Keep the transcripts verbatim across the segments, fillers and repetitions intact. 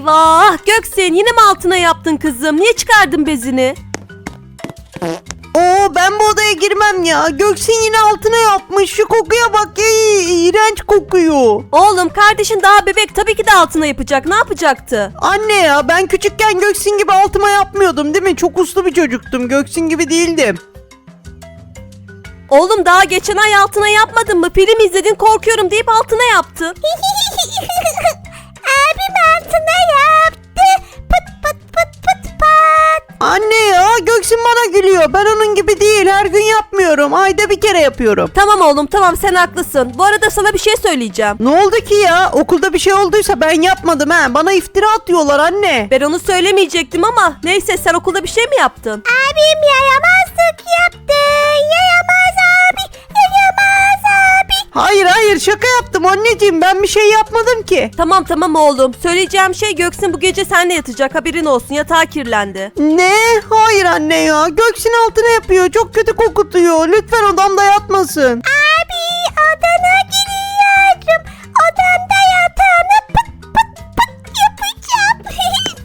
Eyvah! Göksin yine mi altına yaptın kızım? Niye çıkardın bezini? Oo, ben bu odaya girmem ya. Göksin yine altına yapmış. Şu kokuya bak ya. İğrenç kokuyor. Oğlum kardeşin daha bebek, tabii ki de altına yapacak. Ne yapacaktı? Anne ya, ben küçükken Göksin gibi altıma yapmıyordum değil mi? Çok uslu bir çocuktum. Göksin gibi değildim. Oğlum daha geçen ay altına yapmadın mı? Film izledin, korkuyorum deyip altına yaptın. Abim altına yaptı. Pıt pıt pıt pıt pat. Anne ya, Göksin bana gülüyor. Ben onun gibi değil. Her gün yapmıyorum. Ayda bir kere yapıyorum. Tamam oğlum tamam, sen haklısın. Bu arada sana bir şey söyleyeceğim. Ne oldu ki ya? Okulda bir şey olduysa ben yapmadım ha. Bana iftira atıyorlar anne. Ben onu söylemeyecektim ama neyse, sen okulda bir şey mi yaptın? Abim yaramazlık yaptı. Yaramaz abi. Yaramaz abi. Hayır hayır, şaka yaptım anneciğim. Ben bir şey yapmadım ki. Tamam tamam oğlum. Söyleyeceğim şey, Göksin bu gece seninle yatacak, haberin olsun. Yatağı kirlendi. Ne? Hayır anne ya. Göksin altına yapıyor. Çok kötü kokutuyor. Lütfen odamda yatmasın. Abi odana giriyorum. Odanda yatağını pıt pıt pıt yapacağım.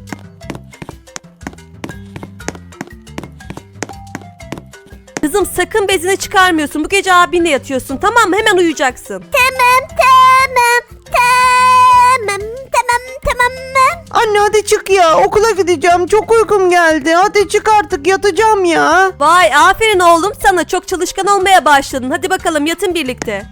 Kızım sakın bezini çıkarmıyorsun. Bu gece abinle yatıyorsun, tamam mı? Hemen uyuyacaksın. Tamam tamam tamam tamam tamam. Anne hadi çık ya. Okula gideceğim. Çok uykum geldi. Hadi çık artık, yatacağım ya. Vay aferin oğlum sana, çok çalışkan olmaya başladın. Hadi bakalım yatın birlikte.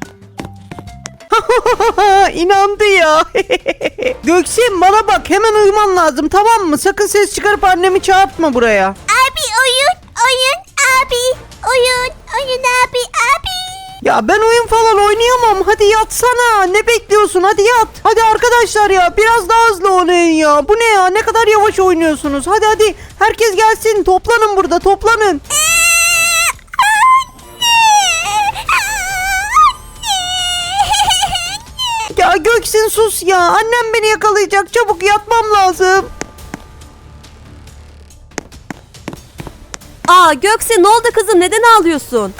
İnandı ya. Göksin bana bak, hemen uyuman lazım, tamam mı? Sakın ses çıkarıp annemi çağırtma buraya. Abi oyun oyun abi. Oyun oyun abi abi. Ya ben oyun falan oynayamam. Hadi yatsana. Ne bekliyorsun? Hadi yat. Hadi arkadaşlar ya, biraz daha hızlı oynayın ya. Bu ne ya? Ne kadar yavaş oynuyorsunuz. Hadi hadi. Herkes gelsin. Toplanın burada. Toplanın. Ya Göksin sus ya. Annem beni yakalayacak. Çabuk yatmam lazım. Aa Göksin, ne oldu kızım, neden ağlıyorsun?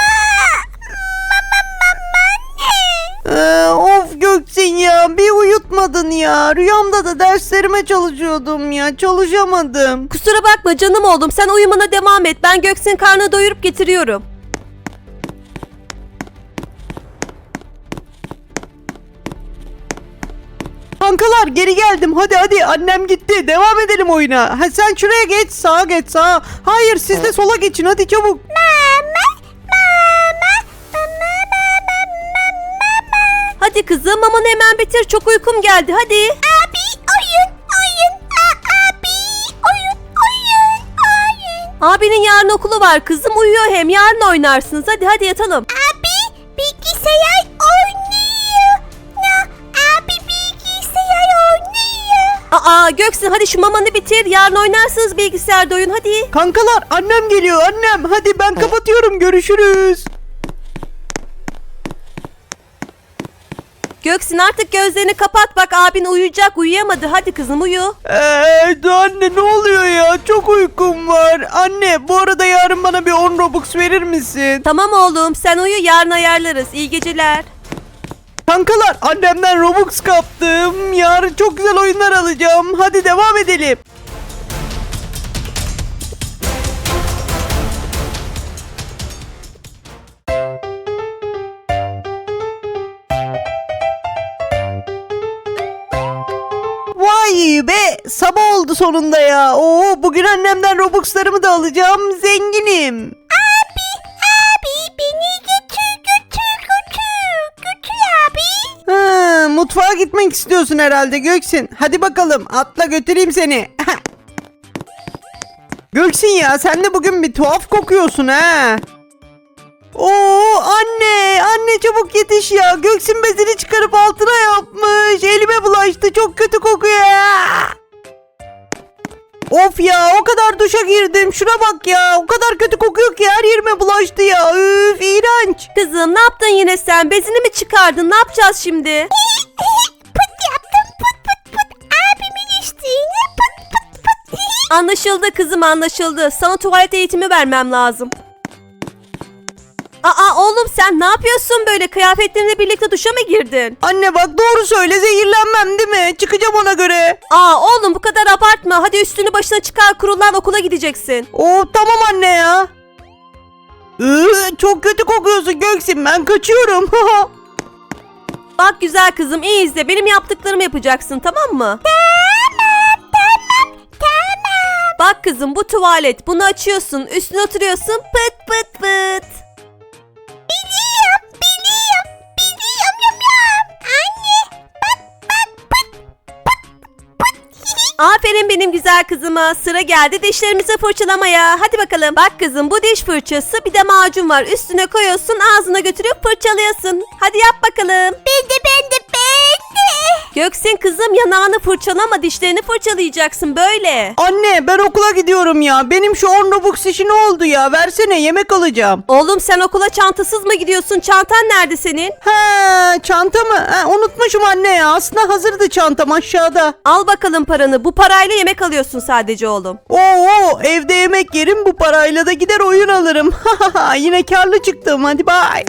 Ee, of Göksin ya, bir uyutmadın ya. Rüyamda da derslerime çalışıyordum ya. Çalışamadım. Kusura bakma canım oğlum, sen uyumana devam et. Ben Göksin karnını doyurup getiriyorum. Kankalar geri geldim. Hadi hadi, annem gitti. Devam edelim oyuna. Ha, sen şuraya geç, sağa geç, sağa. Hayır, siz de sola geçin, hadi çabuk. Hadi kızım, mamanı hemen bitir, çok uykum geldi, hadi. Abi oyun oyun A- abi oyun oyun oyun. Abinin yarın okulu var kızım, uyuyor hem, yarın oynarsınız. Hadi hadi yatalım. Abi bilgisayar oynuyor. No, abi bilgisayar oynuyor. Aa Göksin, hadi şu mamanı bitir, yarın oynarsınız bilgisayarda oyun, hadi. Kankalar, annem geliyor, annem. Hadi ben kapatıyorum, görüşürüz. Göksin artık gözlerini kapat, bak abin uyuyacak, uyuyamadı. Hadi kızım uyu. Eee anne, ne oluyor ya? Çok uykum var. Anne, bu arada yarın bana bir on Robux verir misin? Tamam oğlum, sen uyu, yarın ayarlarız. İyi geceler. Kankalar, annemden Robux kaptım. Yarın çok güzel oyunlar alacağım. Hadi devam edelim. Vay be, sabah oldu sonunda ya. Oo, bugün annemden Robux'larımı da alacağım. Zenginim. Abi beni götür götür götür götür abi. Ha, mutfağa gitmek istiyorsun herhalde Göksin. Hadi bakalım, atla götüreyim seni. Göksin ya, sen de bugün bir tuhaf kokuyorsun ha. Oo anne, anne çabuk yetiş ya. Göksin bezini çıkarıp altına yapmış. Elime bulaştı, çok kötü kokuyor. Of ya, o kadar duşa girdim. Şuna bak ya, o kadar kötü kokuyor ki her yerime bulaştı ya. Üf, iğrenç. Kızım ne yaptın yine sen? Bezini mi çıkardın? Ne yapacağız şimdi? Pıt yaptım pıt pıt pıt. Abimin içtiğine pıt pıt pıt. Anlaşıldı kızım, anlaşıldı. Sana tuvalet eğitimi vermem lazım. Aa oğlum sen ne yapıyorsun böyle? Kıyafetlerinle birlikte duşa mı girdin? Anne bak doğru söyle, zehirlenmem değil mi? Çıkacağım ona göre. Aa oğlum bu kadar abartma. Hadi üstünü başına çıkar, kurulan okula gideceksin. Oo tamam anne ya. Iı, çok kötü kokuyorsun Göksin, ben kaçıyorum. Bak güzel kızım, iyi izle. Benim yaptıklarımı yapacaksın, tamam mı? Tamam tamam tamam. Bak kızım, bu tuvalet. Bunu açıyorsun, üstüne oturuyorsun. Pıt pıt pıt. Biliyorum biliyorum biliyorum yum yum. Anne bak bak pıt pıt pıt. Aferin benim güzel kızıma. Sıra geldi dişlerimizi fırçalamaya. Hadi bakalım. Bak kızım, bu diş fırçası, bir de macun var. Üstüne koyuyorsun, ağzına götürüp fırçalıyorsun. Hadi yap bakalım. Ben de ben de ben de. Göksin kızım, yanağını fırçalama, dişlerini fırçalayacaksın böyle. Anne ben okula gidiyorum ya. Benim şu on Robux işi ne oldu ya? Versene, yemek alacağım. Oğlum sen okula çantasız mı gidiyorsun? Çantan nerede senin? He, çanta mı? He, unutmuşum anne ya. Aslında hazırdı çantam aşağıda. Al bakalım paranı. Bu parayla yemek alıyorsun sadece oğlum. Oo, evde yemek yerim, bu parayla da gider oyun alırım. Yine karlı çıktım. Hadi bye.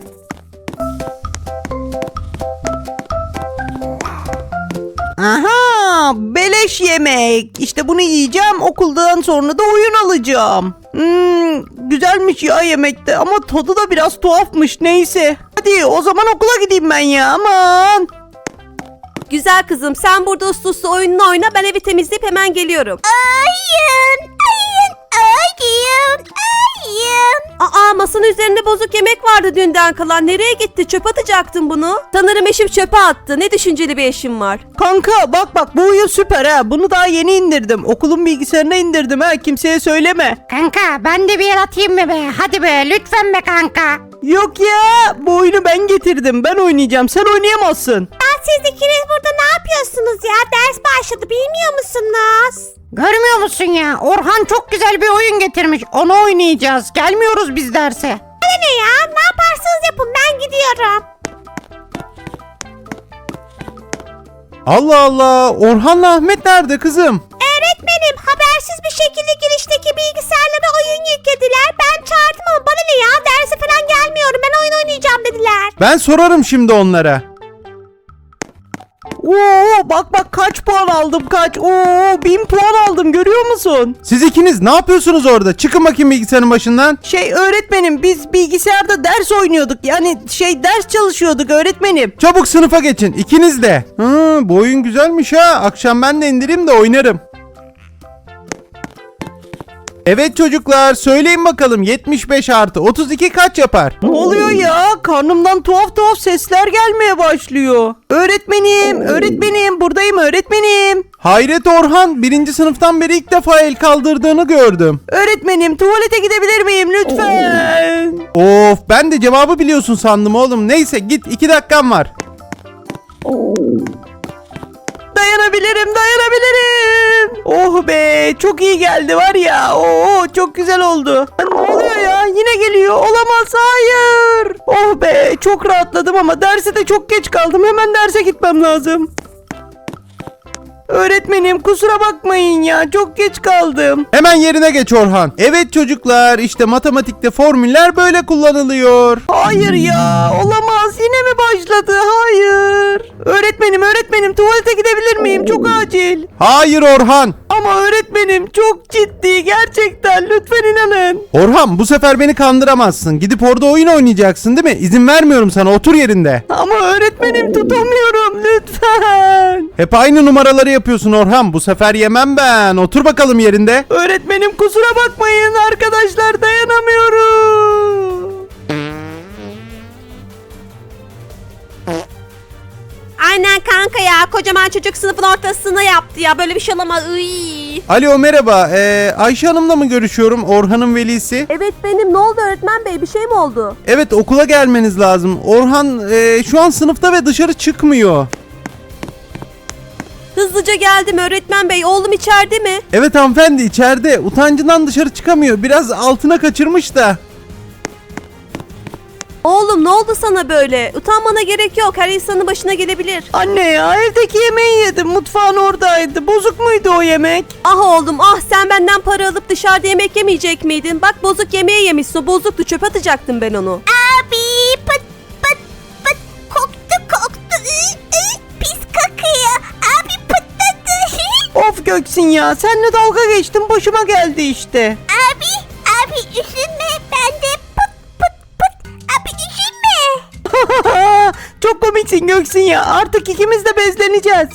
Aha, beleş yemek. İşte bunu yiyeceğim, okuldan sonra da oyun alacağım. Hmm, güzelmiş ya yemekte ama tadı da biraz tuhafmış, neyse. Hadi o zaman okula gideyim ben ya, aman. Güzel kızım, sen burada uslu uslu oyununu oyna, ben evi temizleyip hemen geliyorum. Ayın ayın ayın ayın. Aa, masanın üzerinde bozuk yemek vardı dünden kalan. Nereye gitti? Çöp atacaktın bunu. Sanırım eşim çöpe attı. Ne düşünceli bir eşim var. Kanka bak bak, bu oyun süper ha. Bunu daha yeni indirdim. Okulun bilgisayarına indirdim ha. Kimseye söyleme. Kanka ben de bir yer atayım mı be? Hadi be lütfen be kanka. Yok ya, bu oyunu ben getirdim. Ben oynayacağım. Sen oynayamazsın. Ya siz ikiniz burada ne yapıyorsunuz ya? Ders başladı bilmiyor musunuz? Görmüyor musun ya? Orhan çok güzel bir oyun getirmiş. Onu oynayacağız. Gelmiyoruz biz derse. Bana ne ya? Ne yaparsanız yapın ben gidiyorum. Allah Allah, Orhan'la Ahmet nerede kızım? Öğretmenim habersiz bir şekilde girişteki bilgisayarlara oyun yüklediler. Ben çağırdım ama bana ne ya? Derse falan gelmiyorum. Ben oyun oynayacağım dediler. Ben sorarım şimdi onlara. Oo, bak bak kaç puan aldım, kaç. Oo, bin puan aldım, görüyor musun? Siz ikiniz ne yapıyorsunuz orada? Çıkın bakayım bilgisayarın başından. Şey öğretmenim, biz bilgisayarda ders oynuyorduk. Yani şey ders çalışıyorduk öğretmenim. Çabuk sınıfa geçin, ikiniz de. Hı, bu oyun güzelmiş ha. Akşam ben de indireyim de oynarım. Evet çocuklar, söyleyin bakalım yetmiş beş artı otuz iki kaç yapar? Ne oluyor ya? Karnımdan tuhaf tuhaf sesler gelmeye başlıyor. Öğretmenim, öğretmenim, buradayım öğretmenim. Hayret Orhan, birinci sınıftan beri ilk defa el kaldırdığını gördüm. Öğretmenim, tuvalete gidebilir miyim lütfen? Of, ben de cevabı biliyorsun sandım oğlum. Neyse git, iki dakikan var. Dayanabilirim, dayanabilirim. Oh be, çok iyi geldi var ya. Oo, çok güzel oldu. Ne oluyor ya? Yine geliyor. Olamaz, hayır. Oh be, çok rahatladım ama derse de çok geç kaldım. Hemen derse gitmem lazım. Öğretmenim kusura bakmayın ya, çok geç kaldım. Hemen yerine geç Orhan. Evet çocuklar, işte matematikte formüller böyle kullanılıyor. Hayır ya, olamaz, yine mi başladı? Hayır. Öğretmenim, öğretmenim, tuvalete gidebilir miyim? Çok acil. Hayır Orhan. Ama öğretmenim çok ciddi, gerçekten, lütfen inanın. Orhan, bu sefer beni kandıramazsın. Gidip orada oyun oynayacaksın değil mi? İzin vermiyorum sana, otur yerinde. Ama öğretmenim tutamıyorum, lütfen. Hep aynı numaraları yapıyorsun Orhan. Bu sefer yemem ben. Otur bakalım yerinde. Öğretmenim kusura bakmayın arkadaşlar, dayanamıyorum. Aynen kanka ya. Kocaman çocuk sınıfın ortasına yaptı ya. Böyle bir şey olamaz. Iy. Alo merhaba. Ee, Ayşe Hanım'la mı görüşüyorum? Orhan'ın velisi. Evet benim. Ne oldu öğretmen bey? Bir şey mi oldu? Evet, okula gelmeniz lazım. Orhan ee, şu an sınıfta ve dışarı çıkmıyor. Hızlıca geldim öğretmen bey. Oğlum içeride mi? Evet hanımefendi, içeride. Utancından dışarı çıkamıyor. Biraz altına kaçırmış da. Oğlum ne oldu sana böyle? Utanmana gerek yok. Her insanın başına gelebilir. Anne ya, evdeki yemeği yedim, mutfağın oradaydı. Bozuk muydu o yemek? Ah oğlum ah, sen benden para alıp dışarıda yemek yemeyecek miydin? Bak bozuk yemeği yemişsin. O bozuktu, çöpe atacaktım ben onu. Abi Göksin ya. Seninle dalga geçtim, başıma geldi işte. Abi, abi üzülme. Ben de pıt pıt pıt. Abi üzülme. Çok komiksin Göksin ya. Artık ikimiz de bezleneceğiz.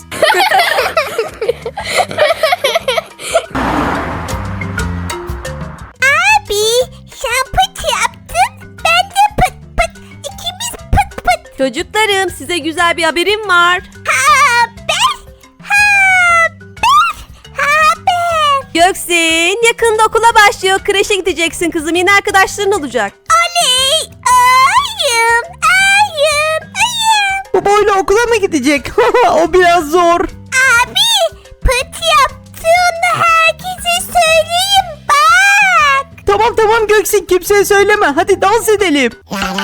Abi sen pıt yaptın. Ben de pıt pıt. İkimiz pıt pıt. Çocuklarım size güzel bir haberim var. Haber. Haber. Haber. Göksin yakında okula başlıyor. Kreşe gideceksin kızım. Yeni arkadaşların olacak. Oley. Ayım. Ayım. Ayım. Bu boyla okula mı gidecek? O biraz zor. Abi pıt yaptığını herkese söyleyeyim bak. Tamam tamam Göksin, kimseye söyleme. Hadi dans edelim. La la